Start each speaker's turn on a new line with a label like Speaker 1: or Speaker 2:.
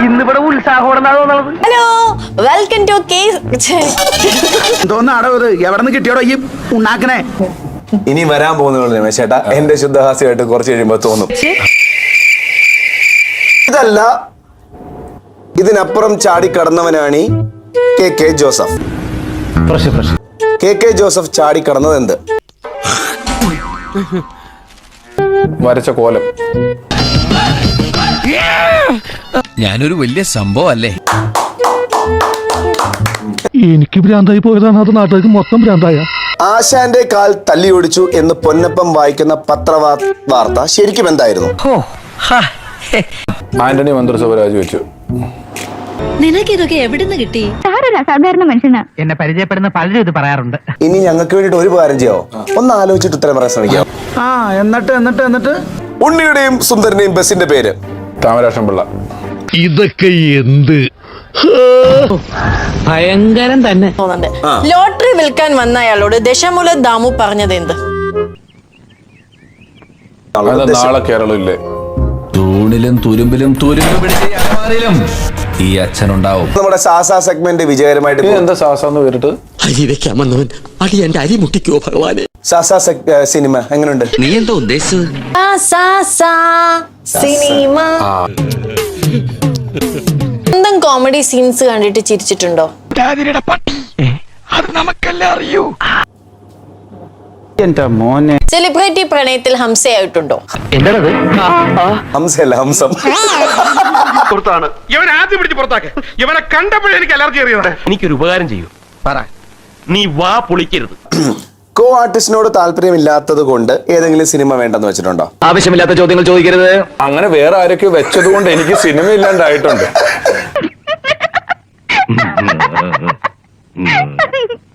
Speaker 1: ഇന്നിവിടെ ഉത്സാഹം.
Speaker 2: Hello, welcome to
Speaker 3: എന്തോന്നാടോ ഇത്? എവിടെ നിന്ന് കിട്ടിയോടോ ഈ ഉണ്ടാക്കണേ?
Speaker 4: ഇനി വരാൻ പോകുന്ന രമേശേട്ടാ എന്റെ ശുദ്ധഹാസ്യമായിട്ട് കുറച്ച് കഴിയുമ്പോ തോന്നും. ഇതല്ല, ഇതിനപ്പുറം ചാടിക്കടന്നവനാണ് കെ ജോസഫ്. കെ ജോസഫ് ചാടിക്കടന്നത് എന്ത്?
Speaker 5: വരച്ച കോലം.
Speaker 6: ഞാനൊരു വലിയ സംഭവം അല്ലേ?
Speaker 7: എനിക്ക് ഭ്രാന്തായി പോയതാണ്, അത് നാട്ടുകാർക്ക് മൊത്തം ഭ്രാന്തായ.
Speaker 4: ആശാന്റെ കാൽ തല്ലിയൊടിച്ചു എന്ന് പൊന്നപ്പം വായിക്കുന്ന പത്രവാർത്ത ശരിക്കും എന്തായിരുന്നു?
Speaker 5: ആന്റണി മന്ത്രിസഭ രാജിവെച്ചു.
Speaker 8: നിനക്കിതൊക്കെ എവിടുന്ന് കിട്ടി?
Speaker 1: സാധാരണ മനുഷ്യനാ. എന്നെ പരിചയപ്പെടുന്ന പലരും ഇത് പറയാറുണ്ട്.
Speaker 4: ഇനി ഞങ്ങൾക്ക് വേണ്ടിട്ട് ഒരു കാര്യം ചെയ്യാവോ? ഒന്ന് ആലോചിച്ചിട്ട് ഉത്തരം പറയാൻ ശ്രമിക്കാം.
Speaker 3: എന്നിട്ട്
Speaker 4: ഉണ്ണിയുടെയും സുന്ദരന്റെയും ബസിന്റെ പേര്?
Speaker 5: താമരാക്ഷം പിള്ള.
Speaker 7: ഇതൊക്കെ എന്ത്
Speaker 1: ഭയങ്കരം തന്നെ.
Speaker 2: ലോട്ടറി വിൽക്കാൻ വന്ന അയാളോട് ദശമൂല ദാമു പറഞ്ഞത് എന്ത്?
Speaker 5: നാളെ കേരളം ഇല്ലേ?
Speaker 6: തൂണിലും തുരുമ്പിലും തുരുമ്പ് പിടിച്ച അലമാരയിലും ഈ അച്ഛനുണ്ടാവും.
Speaker 4: നമ്മുടെ സാസാ സെഗ്മെന്റ് വിജയകരമായിട്ട്
Speaker 5: എന്താ സാസാന്ന് പേരിട്ട്?
Speaker 9: അരി വെക്കാമെന്നവൻ അടി എന്റെ അരി മുട്ടിക്കോ ഭഗവാനെ.
Speaker 4: സാസാ സിനിമ എങ്ങനെയുണ്ട്?
Speaker 9: നീ എന്താ ഉദ്ദേശിച്ചത്?
Speaker 2: സിനിമ. എന്തും കോമഡി സീൻസ് കണ്ടിട്ട് ചിരിച്ചിട്ടുണ്ടോ?
Speaker 7: അത് നമുക്കെല്ലാം അറിയൂ.
Speaker 3: എന്റെ മോനെ,
Speaker 2: സെലിബ്രിറ്റി പ്രണയത്തിൽ ഹംസയായിട്ടുണ്ടോ?
Speaker 4: ഹംസല്ല, ഹംസം.
Speaker 10: ഇവൻ ആദ്യം പിടിച്ച് പുറത്താക്ക. ഇവനെ കണ്ടപ്പോഴേ എനിക്ക് അലർജി അറിയാതെ.
Speaker 9: എനിക്കൊരു ഉപകാരം ചെയ്യൂ. പറ, നീ വാ പൊളിക്കരുത്.
Speaker 4: കോ ആർട്ടിസ്റ്റിനോട് താല്പര്യമില്ലാത്തത് കൊണ്ട് ഏതെങ്കിലും സിനിമ വേണ്ടെന്ന് വെച്ചിട്ടുണ്ടോ?
Speaker 9: ആവശ്യമില്ലാത്ത ചോദ്യങ്ങൾ ചോദിക്കരുത്.
Speaker 5: അങ്ങനെ വേറെ ആരൊക്കെ വെച്ചത് കൊണ്ട് എനിക്ക് സിനിമ ഇല്ലാണ്ടായിട്ടുണ്ട്.